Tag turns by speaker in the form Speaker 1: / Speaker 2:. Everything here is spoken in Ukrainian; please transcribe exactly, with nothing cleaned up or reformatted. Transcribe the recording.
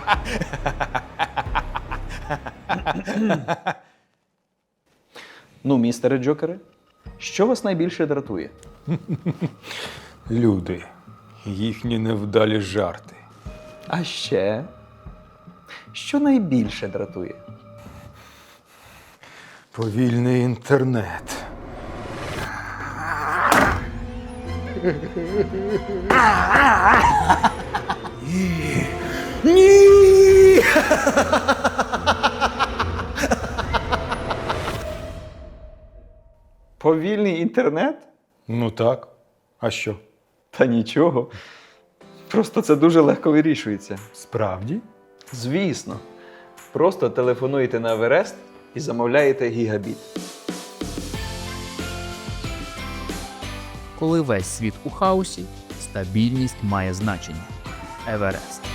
Speaker 1: Ну, містере Джокере, що вас найбільше дратує?
Speaker 2: Люди, їхні невдалі жарти.
Speaker 1: А ще, що найбільше дратує?
Speaker 2: Повільний інтернет.
Speaker 1: Ні! Повільний інтернет?
Speaker 2: Ну так. А що?
Speaker 1: Та нічого. Просто це дуже легко вирішується.
Speaker 2: Справді?
Speaker 1: Звісно. Просто телефонуєте на Еверест і замовляєте гігабіт.
Speaker 3: Коли весь світ у хаосі, стабільність має значення. Еверест.